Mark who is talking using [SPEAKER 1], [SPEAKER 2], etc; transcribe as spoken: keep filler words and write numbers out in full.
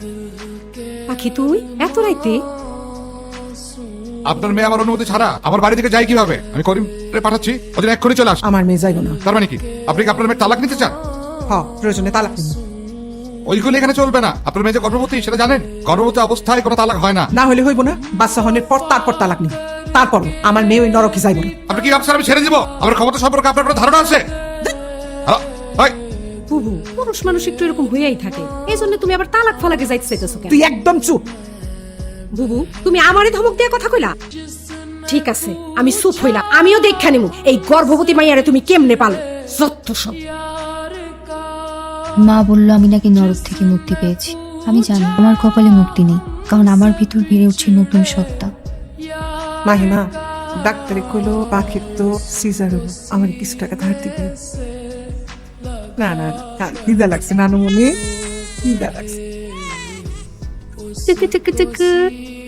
[SPEAKER 1] পাখি তুই এত রাইতে?
[SPEAKER 2] আপনার মেয়ে আমার অনুমতি ছাড়া আমার বাড়ি থেকে যায় কিভাবে? আমি করিম পাঠাচ্ছি, ওদের এক্ষুনি চলে আস।
[SPEAKER 3] আমার মেয়ে যাইব না।
[SPEAKER 2] তার মানে কি আপনি কি আপনার মেয়ের তালাক নিতে চান?
[SPEAKER 3] হ, প্রয়োজনে তালাক নিব।
[SPEAKER 2] ওইগুলো এখানে চলবে না। আপনার মেয়ে যে গর্ভবতী সেটা জানেন? গর্ভবতী অবস্থায় কোনো তালাক হয় না।
[SPEAKER 3] না হলে হইব না, বাচ্চা হনের পর তারপর তালাক নিব। তারপর আমার মেয়ে ওই নরকে যাইব না।
[SPEAKER 2] আপনি কি ভাবছেন আমি ছেড়ে দিব? আমার ক্ষমতা সম্পর্কে আপনার কোনো ধারণা আছে? হ্যালো, এই,
[SPEAKER 1] বুবু, পুরুষ মানুষ একটু এরকম হইয়াই থাকে, এই জন্য তুমি আবার তালাক ফালাকে যাইতে চাইতেছো কেন?
[SPEAKER 3] তুই একদম চুপ।
[SPEAKER 1] বুবু, তুমি আমারে ধমক দিয়ে কথা কইলা? ঠিক আছে, আমি চুপ হইলাম। আমিও দেখা নিমু এই গর্ভবতী মাইয়ারে তুমি কেমনে পালো। যত সব।
[SPEAKER 4] মা বলল আমি নাকি নরক থেকে মুক্তি পেয়েছি। আমি জানি আমার কপালে মুক্তি নেই, কারণ আমার ভিতর বেড়ে উঠছে নতুন সত্তা।
[SPEAKER 3] মাহিমা, ডাক্তারে কইলো পাখির তো সিজার হলো, আমার কিছু টাকা ধার দিবে। না না, দিদা লাগছে নানুমণি, দিদা লাগছে।
[SPEAKER 1] টুকু টুকু টুকু